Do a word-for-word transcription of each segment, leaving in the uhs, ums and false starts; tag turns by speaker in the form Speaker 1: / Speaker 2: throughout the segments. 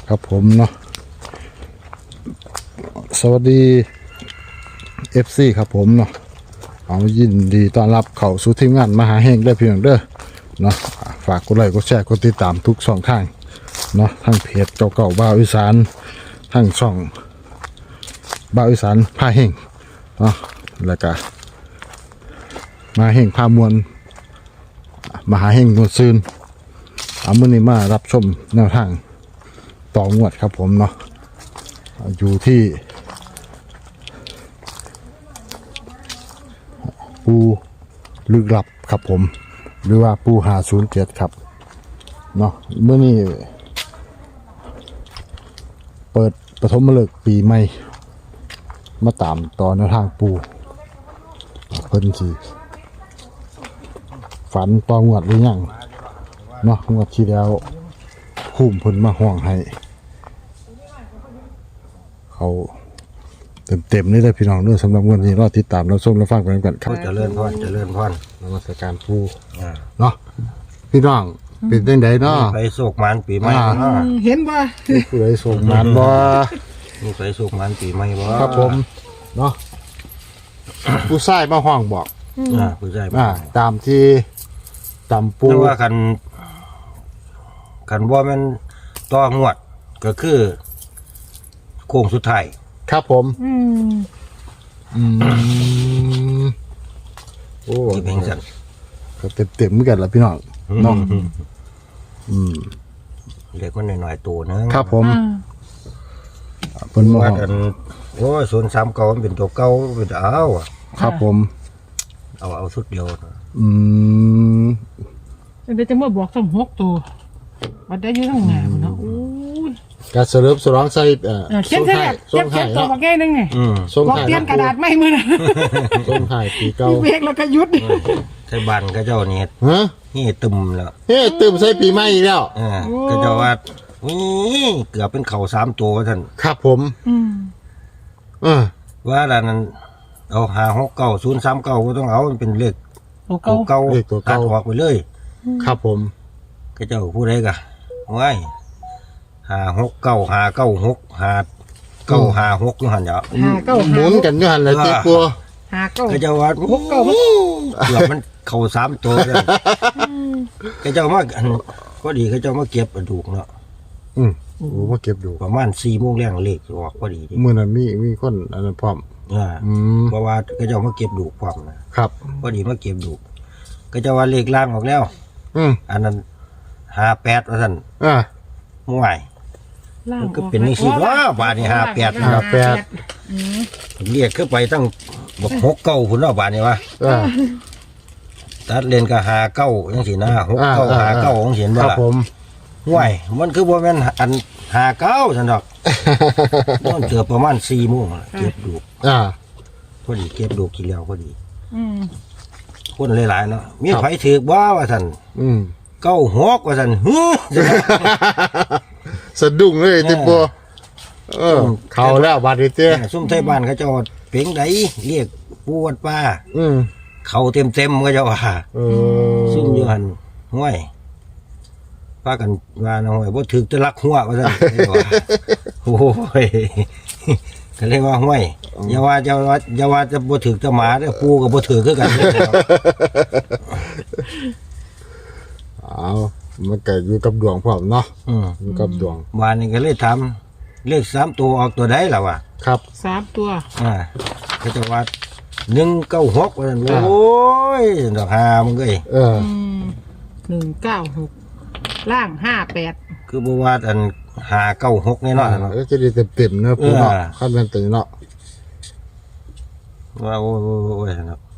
Speaker 1: ครับผมเนาะสวัสดี เอฟ ซี ครับผมเนาะเอายินดีต้อนรับเข้าสู่ทีมงานมหาเฮงได้เพียงเด้อเนาะฝากกดไลค์กดแชร์กดติดตามทุกช่องทางเนาะทั้งเพจเก่าๆบ่าวอีสานทั้งช่องบ่าวอีสานพาเฮงเนาะแล้วก็มหาเฮงพามวลมหาเฮงนวลซืนเอามื้อนี้มารับชมแนวทางต่องวดครับผมเนาะอยู่ที่ปูลึกลับครับผมหรือว่าปูห้าศูนย์เจ็ดครับเนาะเมื่อนี้เปิดปฐมฤกษ์ปีใหม่มาตามต่อแนวทางปูเพิ่นสิฝันต่องวดหรือยังเนาะงวดที่แล้วคุ้มเพิ่นมาห่วงให้เขาเต็มๆนี่เลยพี่น้องด้วยสำหรับวันนี้รอติดตามรับชมรับฟังกันกันครับ
Speaker 2: เจริญพรเจริญพร
Speaker 1: นมัสการปูเนาะพี่น้องเป็นจังไดเนาะ
Speaker 2: ไปโศกมันปีใหม่
Speaker 1: อ่า
Speaker 2: เนาะ
Speaker 3: เห็นป่ะ
Speaker 1: ผู้ใดส่งงานบ่
Speaker 2: มีไปโศกมันปีใหม่บ่
Speaker 1: ครับผมเนาะผู้ชายมาห้องบอก
Speaker 2: อ่าผู้ชาย
Speaker 1: อ่าตามที่ตามปู
Speaker 2: แต่ว่าคันคันว่ามันต่องวดก็คือโค้งสุดท้าย
Speaker 1: ครับผม
Speaker 3: อืม
Speaker 1: อืมโอ้
Speaker 2: ที่เป็นสั่น
Speaker 1: ก็เต็มๆเหมือนกันล่ะพี่น้องเนาะอืม
Speaker 2: เด็กมันหน่อยๆตัวนึง
Speaker 1: ครับผม
Speaker 3: อ่า
Speaker 1: เพิ่นมา
Speaker 2: ว่า
Speaker 1: ห้อง
Speaker 2: อันโอ้ยศูนย์สามเก่ามันเป็นตัวเก่าเป็นเอาอะ
Speaker 1: ครับผม
Speaker 2: เอาเอาสุดเดียว
Speaker 1: อืม
Speaker 3: เดี๋ยวจะมาบอกสมหกตัวมันได้อยืนข้างหน้ามันเนาะโอ้ย
Speaker 1: การเสริมสร้องใส่เอ่อ
Speaker 3: เออเขียนใส่
Speaker 1: ส่
Speaker 3: เขีย
Speaker 1: ง
Speaker 3: น
Speaker 1: ให้
Speaker 3: เขียนตัว
Speaker 1: เนาะ
Speaker 3: มาแก้นึงไง
Speaker 2: อืม
Speaker 1: ส่ง
Speaker 3: บอก
Speaker 1: ให้
Speaker 3: เปลี่ยนกระดาษไม่มือนะ
Speaker 1: ส่งให้ปีเก่า
Speaker 3: เบรกแล้วก็หยุด
Speaker 2: ไทยบ้านก็เจ้านี่
Speaker 1: ฮะ
Speaker 2: นี่ตึมแล้ว
Speaker 1: เฮ้ตื่มใส่ปีใหม่อีกแล้ว
Speaker 2: อ่าก็เจ้าว่านี่เกือบเป็นเข่าสามตัวท่าน
Speaker 1: ครับผม
Speaker 3: อืม
Speaker 1: เออ
Speaker 2: ว่าด้านนั้นเอาหาหกเก้าศูนย์สามเก้าก็ต้องเอามันเป็นเลข
Speaker 3: ตัว
Speaker 2: เก่า
Speaker 3: เก่า
Speaker 2: เก่าตัดออกไปเลย
Speaker 1: ครับผม
Speaker 2: ก็เจ้าผู้ใดกะว้ายหาหกเก้าหาเก้าหกหาเก้าหาหกอยู่หันเนาะ
Speaker 3: หาเก้า
Speaker 1: หมุนกันอยู่หันเลยเจ๊ปัว
Speaker 3: หาเก้า
Speaker 2: ก็เจ้าว่า
Speaker 3: หกเก้า
Speaker 2: เกือบมันเข่าสามตัวเลยก็เจ้ามาอันก็ดีก็เจ้ามาเก็บกระดูกเนาะ
Speaker 1: อืมโอ้มาเก็บดู
Speaker 2: ประมาณสี่โมงแรงเลขออกพอดีดิ
Speaker 1: เมื่อนั้นมีมีคนอันนั้นพร้อม
Speaker 2: อ่า
Speaker 1: อืม
Speaker 2: เพราะว่าก็เจ้ามาเก็บดูกความนะครับ พอดีมาเก็บดูกก็เจ้าว่าเลขล่างออกแล้ว
Speaker 1: อืม
Speaker 2: อันนั้นหาแปดว่าท่าน
Speaker 1: อ่า
Speaker 2: ห่วย
Speaker 3: ล่าง
Speaker 2: มันก็เป็นนี่สิว่าบาทนี่ห้าแปด
Speaker 1: ห้าแปด
Speaker 3: อืม
Speaker 2: เรียกขึ้นไปตั้งบอกหกเก้าพุ่นเนาะบาทนี่วะ
Speaker 1: อ่า
Speaker 2: ตัดเลนก็หาเก้าจังสินะหกเก้า
Speaker 1: อ่าอ่า
Speaker 2: หาเก้าของเห็น
Speaker 1: ค
Speaker 2: บ่
Speaker 1: รับ
Speaker 2: ล่ะ
Speaker 1: ผม
Speaker 2: ห่วยมันคือบ่แม่นอันหาเก้าซั่นดอกมันเกือบประมาณสี่โมงล่ะเก็บดูก
Speaker 1: อ่า
Speaker 2: พอดีเก็บดูกกินแล้วพอดี
Speaker 3: อืม
Speaker 2: คนหลายๆเนาะมีไผถือบ่ว่าซั่น
Speaker 1: อืม
Speaker 2: เก้าหกว่าซั่นฮึซั่นน่ะ
Speaker 1: สะดุ้งเลยเจ๊ปัวเออ เขาแล้วบาดนี้เจ้
Speaker 2: ซุ่มไทยบ้านเขาเจ้าเพ็งใดเรียกปูวัดป้า
Speaker 1: อืม
Speaker 2: เขาเต็มๆก็เจ้าว่า
Speaker 1: เออ
Speaker 2: ซุ่มอยู่หันห้วยพากันว่านะห้วยบ่ถึกจะรักหัวว่าซั่น โอ้ยก็เลยว่าห้วยอย่าว่าจะว่าอย่าว่าจะบ่ถึกจะหมาเด้อปูก็บ่ถึกคือกัน
Speaker 1: เอามันก็อยู่กับดวงพร้อมเนาะ
Speaker 2: อืม
Speaker 1: อยู่กับดวง
Speaker 2: บ้านนี้ก็เลยถามเลขสามตัวออกตัวใดล่ะวะ
Speaker 1: ครับ
Speaker 3: สามตัว
Speaker 2: อ่าก็จะว่าหนึ่งเก้าหกว่าซั่น
Speaker 1: อ่า
Speaker 2: โอ้ยดอกหามึงเอ้ย
Speaker 1: เออ
Speaker 3: อืมหนึ่งเก้าหกล่างห้าแปด
Speaker 2: คือบ่ว่าอันหาเก้าหกแน่นอนเนาะ
Speaker 1: เออจะได้เต็มๆเนอะปูเนาะ
Speaker 2: เออ
Speaker 1: ขั้นเป็นตัวเนาะ
Speaker 2: ว่าโอ้ยโอ้ยโอ้ยเนาะ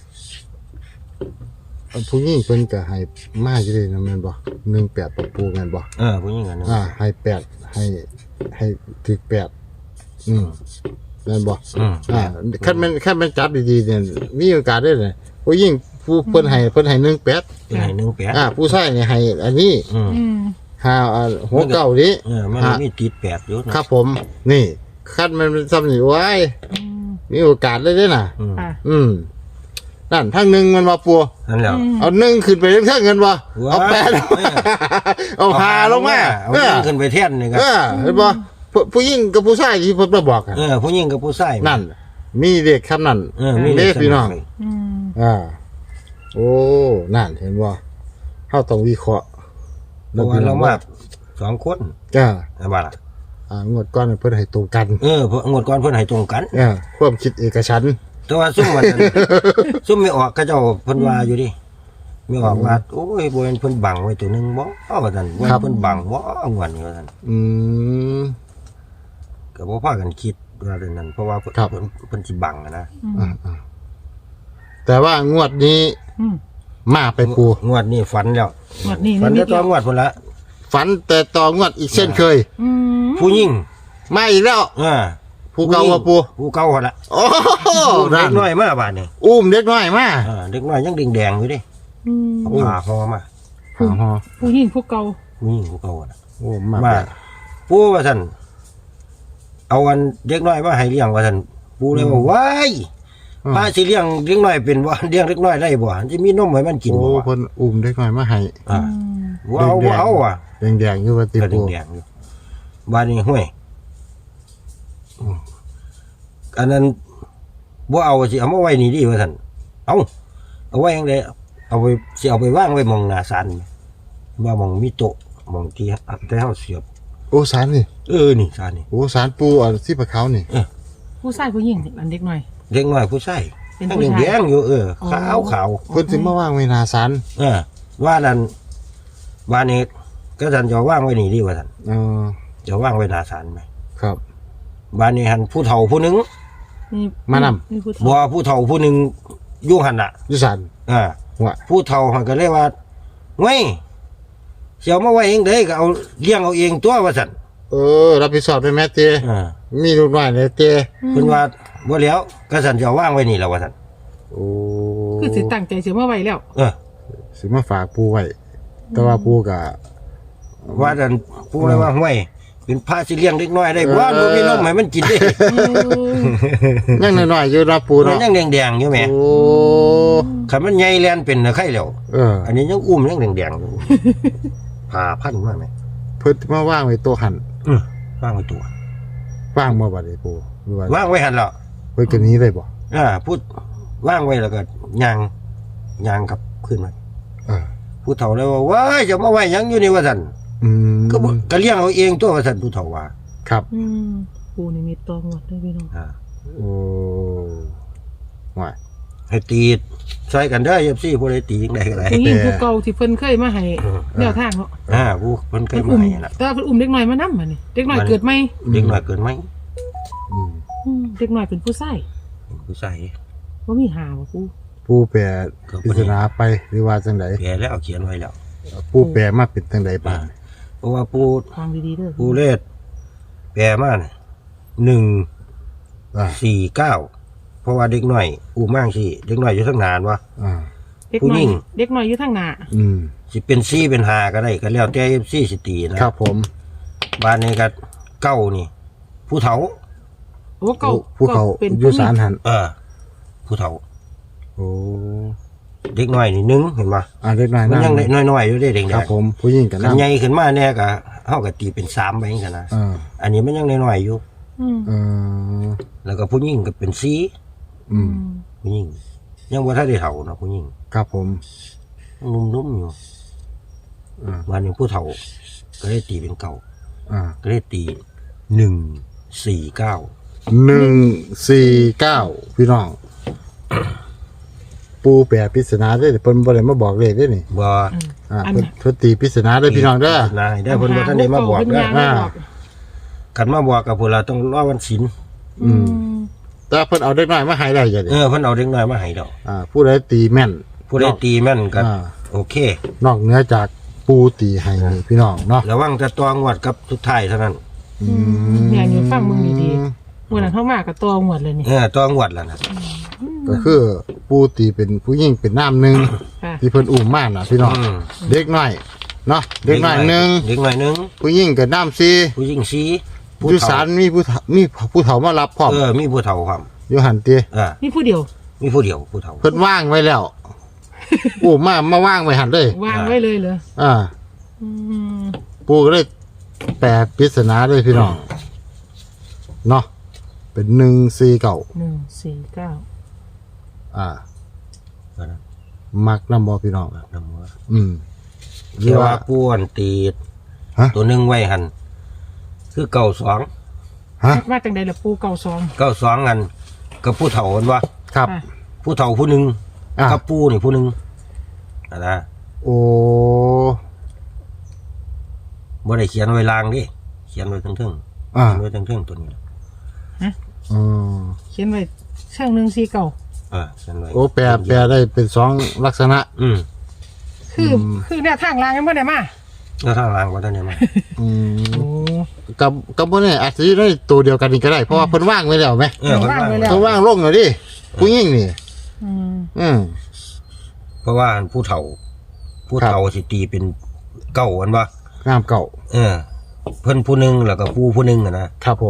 Speaker 1: ผู้หญิงเพิ่นก็ให้มาอยู่เลยนะแม่นบ่หนึ่งแปดปะปูแม่นบ่
Speaker 2: เออผู้หญิงอันนั้น
Speaker 1: อ่าให้แปดให้ให้ถึกแปดอืมแม่นบ่
Speaker 2: อืม
Speaker 1: อ่าคันแม่นคันแม่นจับดีๆเนี่ยมีโอกาสได้เลยผู้หญิงผู้เพิ่นให้เพิ่นให้หนึ่งแปด
Speaker 2: เป็นให้หนึ่งแปด
Speaker 1: อ่าผู้ชายเนี่ยให้อันนี้
Speaker 2: อืม
Speaker 3: อืม
Speaker 1: ห้าอ่าหัวเก้านี้
Speaker 2: เออมัน
Speaker 1: ห้า
Speaker 2: มีติดแปดอยู่เนาะ
Speaker 1: ครับผม นี่คันมันซ้ำนี่ไว้
Speaker 3: อืม
Speaker 1: มีโอกาสเลยเด้อน่ะ
Speaker 2: อืม
Speaker 3: อ่ะ
Speaker 1: อืมนั่นทั้งหนึ่งมันมาปู
Speaker 2: นั่นแหละ
Speaker 1: เอาหนึ่งขึ้นไปเท่งเงินวะเอาแปดเอาหาลงมา
Speaker 2: เอา
Speaker 1: เออ
Speaker 2: ขึ้นไปเทียนนี่ครับ
Speaker 1: เออเห็นบ่ผู้ผู้หญิงกับผู้ชายที่เพิ่นมาบอกกัน
Speaker 2: เออผู้หญิงกับผู้ชาย
Speaker 1: นั่น มีเด็กคำนั้น
Speaker 2: เออมี
Speaker 1: เด็กพี่น้อง
Speaker 3: อืม
Speaker 1: อ่าโอ้นั่นเห็นบ่เฮาต้องวิเคราะห์
Speaker 2: เพราะว่าเรามาสองคน
Speaker 1: จ้า
Speaker 2: นะบ่ล่ะ
Speaker 1: อ่างวดก่อนเพิ่นให้ตรงกัน
Speaker 2: เออเพราะงวดก่อนเพิ่นให้ตรงกัน
Speaker 1: เออความคิดเอกฉันท์
Speaker 2: แต่ว่าซุ่มมันนั้น ซุ่มไม่ออกก็เจ้าเพิ่นว่าอยู่ดิไม่ออกว่าโอ้ยบ่เห็นเพิ่นบังไว้ตัวหนึงบ่เอาว่าซั่นบ่เห็นเพิ่นบังบ่งวดนี้ว่าซั่น
Speaker 1: อืม
Speaker 2: ก็บ่พากันคิดว่าเรื่องนั้นเพราะว่าเพิ่น
Speaker 1: ครับ
Speaker 2: เพิ่นเพิ่นสิบังอะนะ
Speaker 1: อ่าๆแต่ว่างวดนี้
Speaker 3: อืม
Speaker 1: มาไปปู
Speaker 2: งวดนี้ฝันแล้ว
Speaker 3: งวดนี้
Speaker 2: ฝัน
Speaker 3: นิ
Speaker 2: แต่
Speaker 3: ด
Speaker 2: ต
Speaker 3: เดี
Speaker 2: อ
Speaker 3: ย
Speaker 2: น
Speaker 3: ว
Speaker 2: งวดพุ่นละ
Speaker 1: ฝันแต่ต่องวดอีกเช่นเคย
Speaker 3: อืม
Speaker 2: ผู้หญิง
Speaker 1: มาอีกแล้ว
Speaker 2: เออ
Speaker 1: ผู้เก่าว่าปู
Speaker 2: ผู้เก่าหั่นล่ะ
Speaker 1: โอ้โห
Speaker 2: เด็
Speaker 1: นั่น
Speaker 2: กน้อยมาบาดนี้
Speaker 1: อุ้มเด็กน้อยมา
Speaker 2: เออเด็กน้อยยังแดงๆอยู่ดิ
Speaker 3: อืม
Speaker 2: เอาผ้าห่อมา
Speaker 1: หาฮอ
Speaker 3: ผู้หญิงผู้เก่า
Speaker 2: ผู้หญิงผู้เก่าอะนะ
Speaker 1: โอ้มา
Speaker 2: มา
Speaker 1: แบบ
Speaker 2: ปู่ว่าซั่นเอาวันเด็กน้อยมาให้เลี้ยงว่าซั่นปู่เลยว่าว้ายป้าสิเลี้ยงเด็กน้อยเป็นบ่เลี้ยงเด็กน้อยได้บ่สิมีนมให้มันกิน
Speaker 1: โอ้
Speaker 2: บ่
Speaker 1: เพิ่นอุ้มเด็กน้อยมาให้
Speaker 2: อ่า
Speaker 3: อืม
Speaker 2: บ่เอาบ่เอาอ่ะ
Speaker 1: แดงๆอยู่ว่าติ
Speaker 2: ก็
Speaker 1: ปู
Speaker 2: แดงๆอยู่บ้านนี้ห้วยอันนั้นบ่เอาสิเอามาไว้นี่ดิว่าซั่นเอาเอาไว้จังไดเอาไปสิเอาไปวางไว้หม่องหน้าศาลนี่ว่าหม่องมีโต๊ะหม่องที่แต่เฮาเสียบ
Speaker 1: โอ้สารนี่
Speaker 2: เออนี่ศาลนี่
Speaker 1: โอ้สารปูอ่ะที่ปะเขานี่
Speaker 3: ผู้ชายผู้หญิงอันเด็กหน่อย
Speaker 2: เด็กน้อยผู้ชาย
Speaker 3: เป็น
Speaker 2: ทั้ง
Speaker 3: ผู้ชาย
Speaker 2: แดงๆอยู่เออ
Speaker 3: อ๋อ
Speaker 2: ขาวขาว
Speaker 1: เพิ่นสิมาว่างไว้หน้าศาล
Speaker 2: เออว่านั่นว่านี่ก็ท่านจะว่างไว้นี่ดีว่าท่าน
Speaker 1: เออ
Speaker 2: จะว่างไว้หน้าศาลไหม
Speaker 1: ครับ
Speaker 2: บ้านนี้หันผู้เฒ่าผู้หนึง
Speaker 3: นี่
Speaker 1: มานำ
Speaker 3: นี่ผู้
Speaker 2: บ่
Speaker 3: เฒ่า
Speaker 2: ผู้เฒ่าผู้หนึงอยู่หันน่ะ
Speaker 1: อยู่ศาล
Speaker 2: อ่า
Speaker 1: หัว
Speaker 2: ผู้เฒ่าหันก็เลยว่าเว้ยเสียวมาไว้เองเด้ก็เอาเลี้ยงเอาเองตัวว่าซั่น
Speaker 1: เออรับผิดชอบด้วยแม่เต
Speaker 2: อ่า
Speaker 1: มีลูกน้อยในเต
Speaker 2: เพิ่นว่าบ่แล้วก็ซั่นจะเอาว่างไว้นี่แล้วว่าซั่น
Speaker 1: โอ้
Speaker 3: คือสิตั้งใจเสียมาไว้แล้ว
Speaker 2: เออ
Speaker 1: สิมาฝากปูไว้ แต่ว่าปูก็
Speaker 2: ว่าดันผู้เลยว่าห้วยเป็นพระสิเลี้ยงเด็กน้อยได้บ่
Speaker 1: เออ
Speaker 2: บ่มีนมให้มันกินเด้
Speaker 1: ยังน้อยๆอยู่นะปู
Speaker 2: มัน
Speaker 1: เนาะ
Speaker 2: ยังแดงๆอยู่แหม
Speaker 1: โอ้
Speaker 2: คันมันใหญ่แลนเป็นน่ะไข่แล้ว
Speaker 1: เออ
Speaker 2: อันนี้ยังอุ้มยังแดงๆอยู่ ผ่าพันมากไหม
Speaker 1: เพิ่นมาว่างไว้โต๊ะหัน
Speaker 2: อืมว่างไว้ตัว
Speaker 1: ว่างบ่บัดนี้ปูหรือว่า
Speaker 2: ว่างไว้หันแล้ว
Speaker 1: เพิ่นก็หนี้เลยบ่
Speaker 2: อ่าพูดว่างไว้แล้วก็ยางยางกลับขึ้นมา
Speaker 1: เออ
Speaker 2: ผู้เฒ่าเลยว่าว้ายจะมาไว้หยังอยู่นี่ว่าซั่น
Speaker 1: อืม
Speaker 2: ก็บ่ก็เลี้ยงเอาเองตัวว่าซั่นผู้เฒ่าว่า
Speaker 1: ครับ
Speaker 3: อืมปูนี่มีตองหมดเลยพี่น้อง
Speaker 2: อ่า
Speaker 1: โอ้ว่า
Speaker 2: ให้ตีใส่กันเด้อ เอฟ ซี ผู้ใดตีจังได๋ก็ได้
Speaker 3: ผู้หญิงผู้เก่าที่เพิ่นเคยมาให้แนวทางเนาะ
Speaker 2: อ่าผู้เพิ่นเคย
Speaker 3: เพิ่น
Speaker 2: มา
Speaker 3: อุ้ม
Speaker 2: ให้น่ะ
Speaker 3: แต่ว่าเพิ่นอุ้มเด็กน้อยมานำบัดนี้เด็กน้อยเกิดใหม่
Speaker 2: เด็กน้อยเกินไหม
Speaker 1: อืม
Speaker 3: อืมเด็กน้อยเป็นผู้ชาย
Speaker 2: เป็นผู้ชาย
Speaker 3: บ่มีหาบ่ปู
Speaker 1: ปูแปร
Speaker 2: ก็บ่ได้
Speaker 1: พิจารณาไปหรือว่าจังได
Speaker 2: แก่แล้วเอาเขียนไว้แล้ว
Speaker 1: ปูแปรมาเป็นจังไดบ้าง
Speaker 2: เพราะว่าผู้
Speaker 3: ฟังดีๆเด้อ
Speaker 2: ผู้เลขแปลมาน่ะหนึ่ง
Speaker 1: อ่า
Speaker 2: สี่เก้าเพราะว่าเด็กน้อยอู้มั่งสิเด็กน้อยอยู่ทั้งนานวะ
Speaker 1: อ่า
Speaker 3: เด็ก
Speaker 2: ผู้
Speaker 3: น้อ
Speaker 2: หญิ
Speaker 3: ย
Speaker 2: ง
Speaker 3: เด็กน้อยอยู่ทางหน้า
Speaker 1: อืม
Speaker 2: สิเป็นซี่เป็นหาก็ได้ก็แล้วแต่ซี่สิตีนะครับ
Speaker 1: ผม
Speaker 2: บ้านนี้ก็เก้านี่ ผู้เฒ่า
Speaker 3: โอ้เก่า
Speaker 1: ผู้เขา
Speaker 3: เป็น
Speaker 1: อยู่ศาลหัน
Speaker 2: เออ ผู้เฒ่า
Speaker 1: โอ้
Speaker 2: เด็กน้อยนี่หนึ่งเห็นปะ
Speaker 1: อ่าเล็กน้อย
Speaker 2: มัน
Speaker 1: นั่
Speaker 2: ยังน้อยๆอยู่ได้เด็ก
Speaker 1: ครับผมผู้หญิงกัน
Speaker 2: ขัน
Speaker 1: นั่ง
Speaker 2: ใหญ่ขึ้นมาแน่ก็เฮาก็ตีเป็นสามไปจังซั่นนะ
Speaker 1: อ่า
Speaker 2: อันนี้มันยังน้อยๆอยู่
Speaker 3: อืม
Speaker 1: เออ
Speaker 2: แล้วก็ผู้หญิงก็เป็นสี่
Speaker 1: อืม
Speaker 2: ผู้หญิงยังบ่ทันได้เฒ่าเนาะผู้หญิง
Speaker 1: ครับผม
Speaker 2: นุ่มๆอยู่
Speaker 1: อ่า
Speaker 2: วันหนึงผู้เฒ่า ก็ได้ตีเป็นเก่า
Speaker 1: อ่า
Speaker 2: ก็ได้ตีหนึ่งสี่เก้า
Speaker 1: หนึ่งสี่เก้าพี่น้อง ปูแปรปริศนาได้เพิ่นบ่ได้มาบอกเลขได้นี่
Speaker 2: บ่
Speaker 1: อ่า
Speaker 3: อัน
Speaker 1: เพิ่น
Speaker 3: น่ะ
Speaker 1: เพิ่นตีปริศนาได้พี่น้องเด้อ
Speaker 2: นายได้เพิ่นบ่ทันได้มาบอก
Speaker 3: เพิ่น
Speaker 2: เด้อ
Speaker 3: ยังไม่บอก
Speaker 2: คันมาบอกกับพวกเราต้องรอวันศีล
Speaker 3: อืม
Speaker 1: แต่เพิ่นเอาเด็กน้อยมาให้ได้จ้ะดิ
Speaker 2: เออเพิ่นเอาเด็กน้อยมาให้ดอก
Speaker 1: อ่าผู้ใดตีแม่น
Speaker 2: ผู้ใดตีแม่นก็
Speaker 1: อ่า
Speaker 2: โอเค
Speaker 1: นอกเหนือจากปูตีให้นี่พี่น้องเนาะ
Speaker 2: ระวังแต่ตัวงวดกับสุดท้ายเท่านั้น
Speaker 1: อืม
Speaker 3: เนี่ยอยู่ฟังมึงดีๆมื้อนั้นเข้ามาก็ตองหมดเลยนี่
Speaker 2: เออตัวงวดแล้วนะ
Speaker 1: ก็คือปูตีเป็นผู้หญิงเป็นน้ำหนึ่ง
Speaker 3: ค่ะ
Speaker 1: ที่เพิ่นอุ้มมาน่ะพี่น้อง
Speaker 2: อืม
Speaker 1: เด็กน้อยเนาะเด็กน้อยหนึ่ง
Speaker 2: เด็กน้อยหนึง
Speaker 1: ผู้หญิงกับน้ำสี่
Speaker 2: ผู้หญิงสี่ผู้
Speaker 1: อยู่
Speaker 2: เฒ่า
Speaker 1: ศาลมีผู้เฒ่ามีผู้เฒ่ามารับพร้อม
Speaker 2: เออมีผู้เฒ่าความ
Speaker 1: อยู่หันตี
Speaker 2: เออ
Speaker 3: นี่ผู้เดียว
Speaker 2: มีผู้เดียวผู้เฒ่า
Speaker 1: เพิ่นว่างไว้แล้วโอ้มามาว่างไว้หันเลยว
Speaker 3: างไว้เลยเหรอ
Speaker 1: อ่า
Speaker 3: อืม
Speaker 1: ปูก็เลยแปลปริศนาเลยพี่น้องเนาะเป็นหนึ่งสี่เก่า
Speaker 3: หนึ่งสี่เก้า
Speaker 1: อ่า
Speaker 2: ก็นะ
Speaker 1: มักน้ำบอพี่น้อง
Speaker 2: น้ำหัว
Speaker 1: อืมหรื
Speaker 2: เรี
Speaker 1: อย
Speaker 2: ก
Speaker 1: ว่า
Speaker 2: ว่าป้วนตีด
Speaker 1: ฮะ
Speaker 2: ตัวหนึงไว้หันคือเก่าสอง
Speaker 1: ฮะ
Speaker 3: ว่าจังใดล่ะปูเก่าสอง
Speaker 2: เก่าสองหันกับผู้เฒ่าหันว่า
Speaker 1: ครับ
Speaker 3: อ่ะ
Speaker 2: ผู้เฒ่าผู้หนึ่ง
Speaker 1: อ่ะ
Speaker 2: กับปูนี่ผู้หนึ่งอะนะ
Speaker 1: โอ้
Speaker 2: บ่ได้เขียนไว้ลางดิเขียนไว้ทั้งๆ
Speaker 1: อ่า
Speaker 2: เขียนไว้ทั้งๆตัวนี้
Speaker 1: อืม
Speaker 3: เขียนไว้เชิงหนึ่งสี่เก้า
Speaker 2: อ่าเขียนไว้
Speaker 1: โอ้แปลแปลได้เป็นสองลักษณะ
Speaker 2: อืม
Speaker 3: คือคือแนวทางรางกันเมื่อไหร่มา
Speaker 2: แล้วทางล่างว่าท่านเนี่ยมา
Speaker 1: อืม
Speaker 3: โอ้
Speaker 1: กับกับพวกนี้อาจจะได้ตัวเดียวกันนี่ก็ได้เพราะว่าเพิ่นว่างไว้แล้วไหม
Speaker 2: เออมัน
Speaker 3: ว่าง
Speaker 2: ว่า
Speaker 3: ไว้แล้ว
Speaker 1: เพิ่นว่างลงเลยดิผู้หญิงนี่
Speaker 3: อืม
Speaker 1: อืม
Speaker 2: เพราะว่าผู้เฒ่า ผู้เฒ่าสิตีเป็นเก่าอันว่า
Speaker 1: งามเก่า
Speaker 2: เออ เพิ่นผู้หนึงแล้วก็ปูผู้หนึงอะนะครับ
Speaker 1: ผม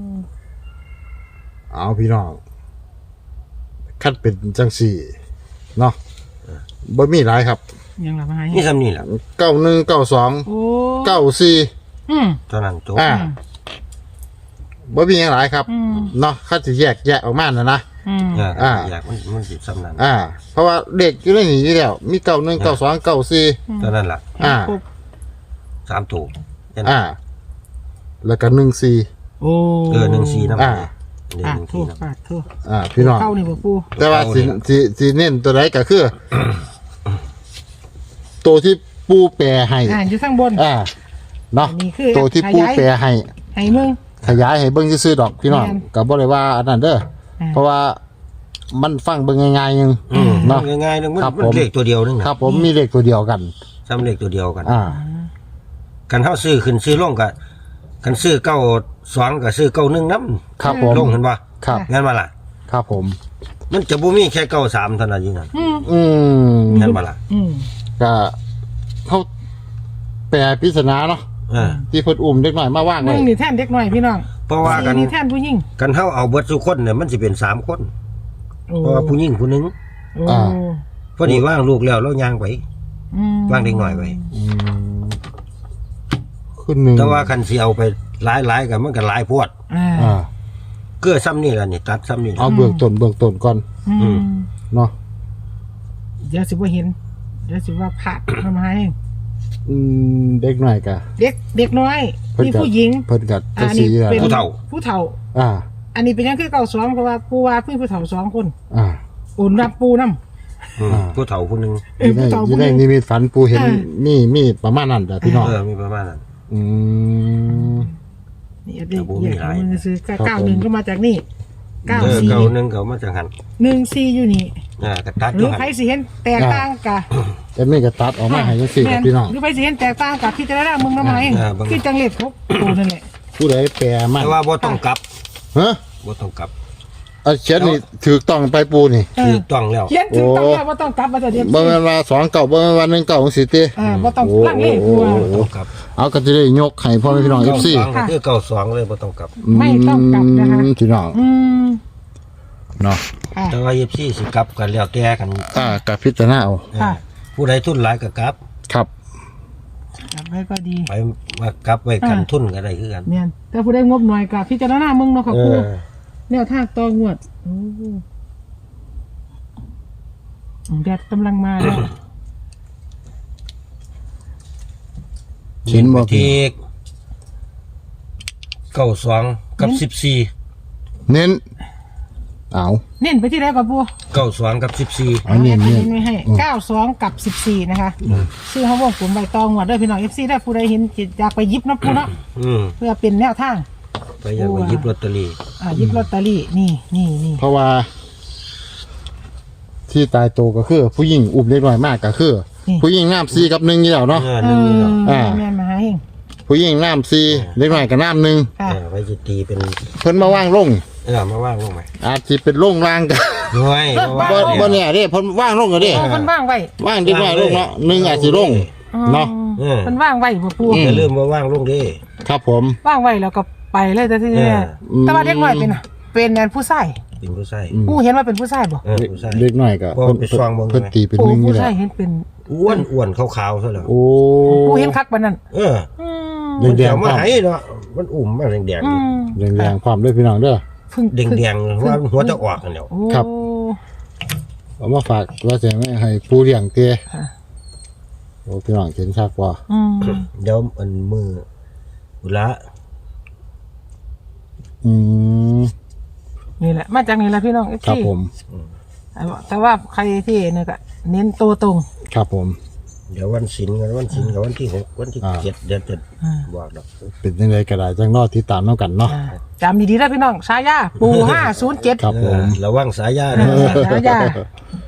Speaker 1: เอาพี่น้องคัดเป็นจังสี่เนาะบ่มีหลายครับ
Speaker 3: ยังหลับมาหา
Speaker 2: นี่ซ้ำนี่แหละ
Speaker 1: เก้าหนึ่งเก้าสอง
Speaker 3: โอ้
Speaker 1: เก้าสี่
Speaker 3: อืม
Speaker 2: เท่านั้นจบ
Speaker 1: อ่าบ่มีอย่างหลายครับ
Speaker 3: อืม
Speaker 1: เนาะคัดสิแยกแยกออกมานะนะ
Speaker 3: อืม
Speaker 2: เออ
Speaker 1: อ่า
Speaker 2: อยากมันมันสิซ้ำนั้น
Speaker 1: อ่า เพราะว่าเด็กอยู่ในนี้อยู่แล้ว มีเก้าหนึ่งเก้าสองเก้าสี่
Speaker 2: เท่านั้นล่ะ
Speaker 1: อ่า
Speaker 3: ครบ
Speaker 2: สามตัวแค่นั้น
Speaker 1: อ่า แล้วก็หนึ่งสี่
Speaker 3: โอ้
Speaker 2: เออหนึ่งสี่น้ำ
Speaker 1: อ่า
Speaker 2: เดี๋ยว
Speaker 3: ปา
Speaker 2: ห
Speaker 3: ด
Speaker 2: นึ่ง
Speaker 3: โทั่
Speaker 2: สี่
Speaker 3: ว
Speaker 2: น้ำ
Speaker 3: ปาดทั่ว
Speaker 1: อ่า พี่น้อง
Speaker 3: เข้านี่บ่ปู
Speaker 1: แต่ว่าสิ
Speaker 2: เอาเนี่ย
Speaker 1: สิสิเน้นตัวไหนก็คือ ตัวที่ปูแปรให้
Speaker 3: อ่าอยู่ข้างบน
Speaker 1: อ่า เนาะ
Speaker 3: อันนี้คือ
Speaker 1: ตัวที่ปู
Speaker 3: ขยาย
Speaker 1: แปรให้
Speaker 3: ให้มึง
Speaker 1: ขยายให้เบิ่งซื่อๆดอกพี่น้อง
Speaker 3: แม่น
Speaker 1: ก็บ่ได้ว่าอันนั้นเด้อ
Speaker 3: อ่า
Speaker 1: เพราะว่ามันฟังเบิ่งง่ายๆนึง
Speaker 2: อืม
Speaker 1: เนาะ
Speaker 2: ง่ายๆนึงมัน
Speaker 1: ครับ
Speaker 2: มัน
Speaker 1: ผม
Speaker 2: เลขตัวเดียวนึงนะครับ
Speaker 1: ผมมีเลขตัวเดียวกัน
Speaker 2: ซ้ำเลขตัวเดียวกัน
Speaker 1: อ่า
Speaker 2: กันเท่าซื้อขึ้นซื้อลงกับกันซื้อเก้าสองกับซื้อเก้าหนึ่งน้
Speaker 1: ครับผม
Speaker 2: ำลงเห็นปะ
Speaker 1: ครับ
Speaker 2: งั้นมาล่ะ
Speaker 1: ครับผม
Speaker 2: มันจะบ่มีแค่เก้าสามเท่านั้นอยู่นั่น
Speaker 3: อืม
Speaker 1: อืม
Speaker 2: งั้นมาล่ะ
Speaker 3: อืม
Speaker 1: ก็เขาแปลปริศนาเนาะ
Speaker 2: เออ
Speaker 1: ที่เพิ่นอุ้มเด็กน้อยมาว่าง
Speaker 3: มึ
Speaker 1: ไว้
Speaker 3: งนี่แท่นเด็กหน่อยพี่น้อง
Speaker 2: เพราะว่ากัน
Speaker 3: สี่นี่แท่นผู้หญิง
Speaker 2: กันเท่าเอาเบิดทุกคนเนี่ยมันสิเป็นสามคน
Speaker 3: โอ้
Speaker 2: เพราะว่าผู้หญิงผู้หนึง
Speaker 3: โอ้
Speaker 1: อ่า
Speaker 2: พอดีว่างลูกแล้วแล้วย่างไป
Speaker 3: อืม
Speaker 2: ว่างเด็กหน่อยไป
Speaker 1: อืมขึ้นหนึ่ง
Speaker 2: แต่ว่าคันสิเอาไปหลายๆกันมันก็หลายโพวด
Speaker 3: อ่า
Speaker 1: อ่า
Speaker 2: เกื้อซ้ำนี่ล่ะนี่ตัดซ้ำนี่ล่ะ
Speaker 1: เอาเบื้องต้นเบื้องต้นก่อน
Speaker 3: อื
Speaker 2: อื
Speaker 3: ม
Speaker 2: ม
Speaker 1: เนาะ
Speaker 3: เดี๋ยวสิว่าเห็นเดี๋ยวสิว่าผาดทำไม
Speaker 1: อืมเด็กน้อยกะ
Speaker 3: เด็กเด็กน้อย
Speaker 1: เพิ่น
Speaker 3: มี
Speaker 1: ก็
Speaker 3: ผู้หญิง
Speaker 1: เพิ่นกัด
Speaker 3: อั
Speaker 1: จะ
Speaker 3: น
Speaker 1: สี
Speaker 3: นี้
Speaker 1: แล้ว
Speaker 3: เป็น
Speaker 2: ผู้เฒ่า
Speaker 3: ผู้เฒ่า
Speaker 1: อ่า
Speaker 3: อันนี้เป็นยังคือเก่าสองเพราะว่าปูว่าเพิ่งผู้เฒ่าสองคน
Speaker 1: อ่า
Speaker 3: อุ่นรับปูน้
Speaker 2: อืม
Speaker 1: อ่า
Speaker 2: ผู้เฒ่าผู้หนึง
Speaker 3: ำเอ
Speaker 1: อ
Speaker 3: อยู่
Speaker 1: ใน
Speaker 3: ผู้เฒ่า
Speaker 1: อ
Speaker 3: ผู้
Speaker 1: ยู่
Speaker 3: ห
Speaker 1: ใน
Speaker 3: นึง
Speaker 1: นิมิตฝันปูเห็น
Speaker 3: อ่า
Speaker 1: มีมีประมาณนั้นแต่พี่น้อง
Speaker 2: เออมีประมาณนั้น
Speaker 1: อืม
Speaker 3: นี่เด็ก
Speaker 2: แต่บ่มี
Speaker 3: เด็ก
Speaker 2: หลาย
Speaker 3: มึงซื้อ
Speaker 1: ครับ
Speaker 3: เก้าหนึ่ง
Speaker 1: ผม
Speaker 3: ก็มาจากนี่เก้า
Speaker 2: เออ
Speaker 3: สี่
Speaker 2: เก้าหนึงก็มาจากหัน
Speaker 3: หนึ่งสี่อยู่นี่
Speaker 2: อ่าก็ตัด
Speaker 3: ห
Speaker 2: อ
Speaker 3: รื
Speaker 2: ยู่
Speaker 3: อ
Speaker 2: หัน
Speaker 3: ใครสิเห็นแตกต่างกะ
Speaker 1: แต่ไม่กระตัดออกมาให้จังซี่ครับพี่น้อง
Speaker 3: หรือใครสิเห็นแตกต่างกับที่จะได้มึงทำไมคือจังเล็ดเขาปูนั่นแหละ
Speaker 1: ผู้ใดแปลมัน
Speaker 2: แต่ว่าบ่ต้องกลับ
Speaker 1: ฮะ
Speaker 2: บ่ต้องกลับ
Speaker 1: เอาเขียนนี่ถูกต้องไปปูนี่
Speaker 3: เอ
Speaker 2: ถู
Speaker 3: อก
Speaker 2: ต้องแล้ว
Speaker 3: เขียนถึงต้องแล้วว่าต้องกลับมาแต่เดียว
Speaker 1: บ่แม่นว่าสองเก่าบ่แม่นว่าหนึ่งเก่าจังซี่ติ
Speaker 3: อ่าว่าต้องลังเลกลัว
Speaker 2: บ่ต้องกลับ
Speaker 1: เอาก็จะได้ยกให้พ่อแม่พี่น้อง เอฟ ซี
Speaker 2: เก้าสองก็คือเก้าสองเลยบ่ต้องกลับ
Speaker 3: ไม่ต้องกลับนะคะ
Speaker 1: พี่น้อง
Speaker 3: อืม
Speaker 1: เนาะ
Speaker 3: อ่า
Speaker 2: แต่ว่า เอฟ ซี สิกลับกันแล้วแต่กัน
Speaker 1: อ่ากับพิจารณาเอา
Speaker 3: ค่ะ
Speaker 2: ผู้ใดทุนหลายก็กลับ
Speaker 1: ครับ
Speaker 3: กลับไว้ก็ดี
Speaker 2: ไปมากลับไว้กันทุนก็ได้คือกัน
Speaker 3: เนี่ยแต่ผู้ได้งบหน่อยกับพิจารณามึงเนาะค่ะ
Speaker 2: เอ
Speaker 3: ครู
Speaker 2: อ
Speaker 3: แนวทางต่องวดโอ้แดดกำลังมาแล้ว
Speaker 1: เขียนบ่
Speaker 2: ที่เก้าสองกับสิบสี่
Speaker 1: เน้นเอา
Speaker 3: เน้นไปที่ไหนก่อนปู
Speaker 2: เก้าสองกับสิบสี่
Speaker 1: เอาเน้น
Speaker 3: เน้
Speaker 1: เน้
Speaker 3: น
Speaker 1: น
Speaker 3: ไว้ให้เก้าสองกับสิบสี่นะคะซื้อเขาบอกผมใบตองงวดเด้อพี่น้องเอฟซีได้ผู้ใดเห็นจิตอยากไปหยิบเนาะปูเนาะ
Speaker 2: อืม
Speaker 3: เพื่อเป็นแนวทาง
Speaker 2: ไปอยากไปหยิบลอตเตอรี่
Speaker 3: อ่าหยิบลอตเตอรี่นี่นี่นี่
Speaker 1: เพราะว่า ที่ตายโตวก็คือ ผู้หญิงอุ้มเล็กน้อยมากก็คือ ผู้หญิงน้ำซีกับหนึ่งอยู่แล้วเนาะ
Speaker 2: เออ
Speaker 3: เอ
Speaker 2: หนึ่งนี่เนาะ
Speaker 3: อ
Speaker 1: อ่า
Speaker 3: แม่นมาให้เอง
Speaker 1: ผู้หญิงน้ำซีเล็กน้อยกับน้ำหนึ่ง
Speaker 3: ค่ะ
Speaker 2: เออไว้จะตีเป็น
Speaker 1: เพิ่นมาว่างลง
Speaker 2: เออมาว่างลงไหม
Speaker 1: อาจจะเป็นลงรางกัน
Speaker 2: ด้วย
Speaker 1: บ่บ่เนี่ยเด้เพิ่นว่างลงก็เด้
Speaker 3: โอ้มันว่างไว้
Speaker 1: ว่างเล็กน้อยลงเนาะหนึ่งอาจสิลง เนาะ
Speaker 2: เออ
Speaker 3: มันว่างไว้บ่ปู
Speaker 1: อื
Speaker 2: อย่าลืมว่าว่างลงดิ
Speaker 1: ครับผม
Speaker 3: ว่างไว้แล้วก็ไปเลยแต่ที่
Speaker 2: เอ
Speaker 3: นี่
Speaker 2: อ
Speaker 3: แต่ว่าเด็กน้อยเป็นน่ะเป็นแนนผู้ชาย
Speaker 2: เป็นผู้ชาย
Speaker 3: ปูเห็นว่าเป็นผู้ชายบ่
Speaker 2: เออผู้ชาย
Speaker 1: เล็กน้อยก็
Speaker 2: บ่
Speaker 1: เพิ่น
Speaker 2: ไปซ่องเบิ่ง
Speaker 1: เพิ่นตีเป็น
Speaker 3: ปู
Speaker 1: หนึ่ง
Speaker 3: ผู้
Speaker 1: นี่แห
Speaker 3: ชา
Speaker 1: ละ
Speaker 3: ยเห็นเป็น
Speaker 2: อ้วนอ้วนขาวๆซะแล้ว
Speaker 1: โอ้
Speaker 3: ปูเห็นคักปานนั้น
Speaker 2: เออ
Speaker 3: อืม
Speaker 2: มัน
Speaker 1: แด
Speaker 2: จะ
Speaker 1: งๆ
Speaker 2: มา
Speaker 1: ความ
Speaker 2: ให้เนาะมันอุ่มมาแดง
Speaker 3: อืม
Speaker 1: แดงๆความด้วยพี่น้องเด้อ
Speaker 3: เพิ่ง
Speaker 2: ๆแดงๆว่าหัวจะออกกันแล้ว
Speaker 3: โอ้
Speaker 1: ครับ เอามาฝากว่าจะไม่ให้ปูเลี้ยงเตี้ย
Speaker 3: ค่ะ
Speaker 1: โอ้พี่น้องเห็นชักว่า
Speaker 3: อืม
Speaker 2: เดี๋ยวมันมืออุละ
Speaker 1: อืม
Speaker 3: นี่แหละมาจากนี่แหละพี่น้องเอฟ
Speaker 1: ครับ
Speaker 3: ซี
Speaker 1: ผม
Speaker 3: แต่ว่าใครที่เนี่ยก็เน้นตัวตรง
Speaker 1: ครับผม
Speaker 2: เดี๋ยววันศิลกันวันศิลกับวันที่หกวันที่
Speaker 1: อ่า
Speaker 2: เจ็ดเดือนเจ็ด
Speaker 3: อ่า
Speaker 2: บอกดอก
Speaker 1: เป็นยังไงก็ได้จังนอที่ตามน้องกันเนาะ
Speaker 3: อ่าจำดีๆนะพี่น้องชายาปูห้าศูนย์เจ็ด
Speaker 1: ครับผม
Speaker 2: เออระวังสายยา
Speaker 3: เอ
Speaker 2: นะ
Speaker 3: อชายา